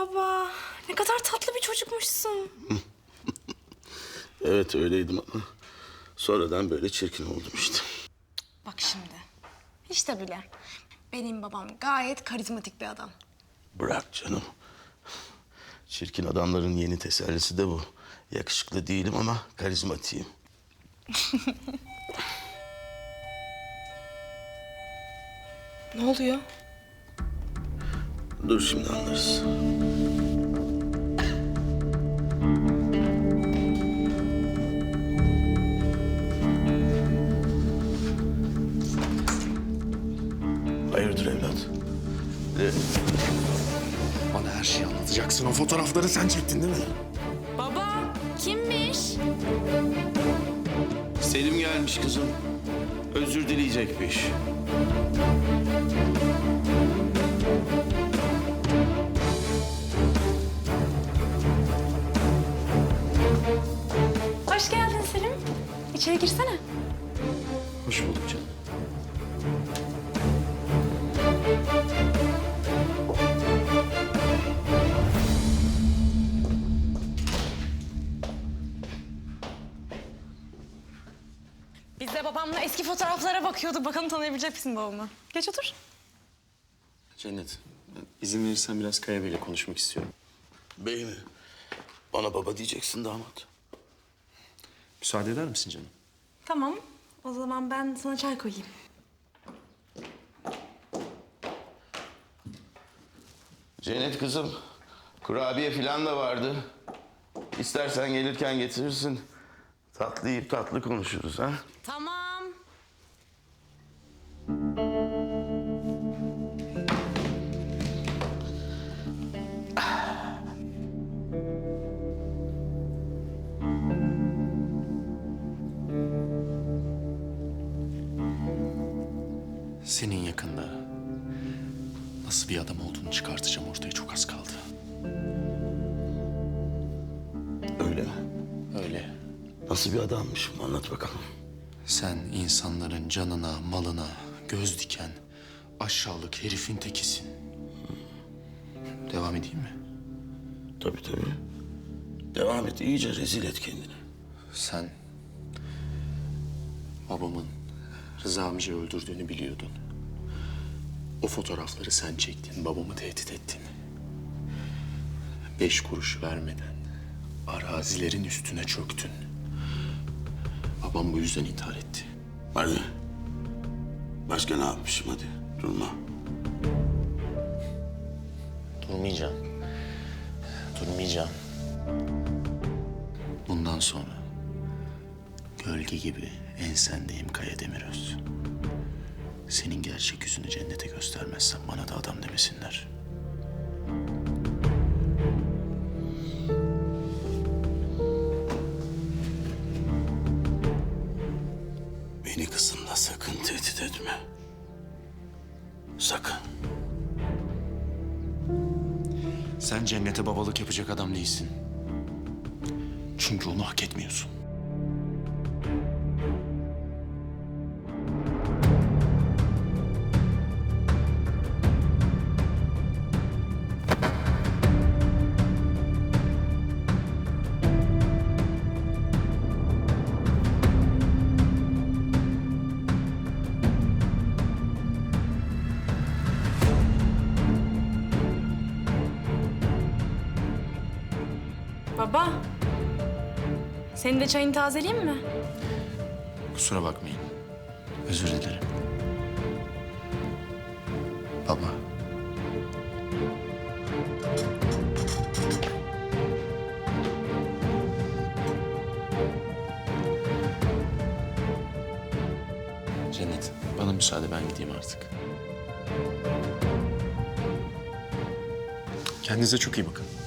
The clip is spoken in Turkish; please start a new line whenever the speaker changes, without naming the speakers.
Baba, ne kadar tatlı bir çocukmuşsun.
Evet öyleydim ama sonradan böyle çirkin oldum işte.
Bak şimdi, hiç de bile. Benim babam gayet karizmatik bir adam.
Bırak canım. Çirkin adamların yeni tesellisi de bu. Yakışıklı değilim ama karizmatiyim.
Ne oluyor?
Dur şimdi anlarız. Hayırdır evlat?
Bana her şeyi anlatacaksın. O fotoğrafları sen çektin değil mi?
Baba, kimmiş?
Selim gelmiş kızım. Özür dileyecekmiş.
Hoş geldin Selim. İçeri girsene.
Hoş bulduk canım.
Biz de babamla eski fotoğraflara bakıyorduk. Bakalım tanıyabilecek misin babamı? Geç otur.
Cennet, izin verirsen biraz Kaya Bey'le konuşmak istiyorum.
Bey mi? Bana baba diyeceksin damat.
Müsaade eder misin canım?
Tamam. O zaman ben sana çay koyayım.
Cennet kızım, kurabiye falan da vardı. İstersen gelirken getirirsin. Tatlı yiyip tatlı konuşuruz ha.
Tamam.
Senin yakında nasıl bir adam olduğunu çıkartacağım ortaya, çok az kaldı.
Öyle mi?
Öyle.
Nasıl bir adammışım anlat bakalım.
Sen insanların canına, malına göz diken aşağılık herifin tekisin. Devam edeyim mi?
Tabii tabii. Devam et, iyice rezil et kendini.
Sen babamın Rıza amcayı öldürdüğünü biliyordun. O fotoğrafları sen çektin, babamı tehdit ettin. 5 kuruş vermeden arazilerin üstüne çöktün. Babam bu yüzden intihar etti.
Hadi. Başka ne yapmışım hadi. Durma.
Durmayacağım. Durmayacağım. Bundan sonra gölge gibi ensendeyim Kaya Demiröz. Senin gerçek yüzünü Cennet'e göstermezsen bana da adam demesinler.
Beni kızımla sakın tehdit etme. Sakın.
Sen Cennet'e babalık yapacak adam değilsin. Çünkü onu hak etmiyorsun.
Baba, senin de çayını tazeleyeyim mi?
Kusura bakmayın. Özür dilerim. Baba. Cennet, bana müsaade, ben gideyim artık. Kendinize çok iyi bakın.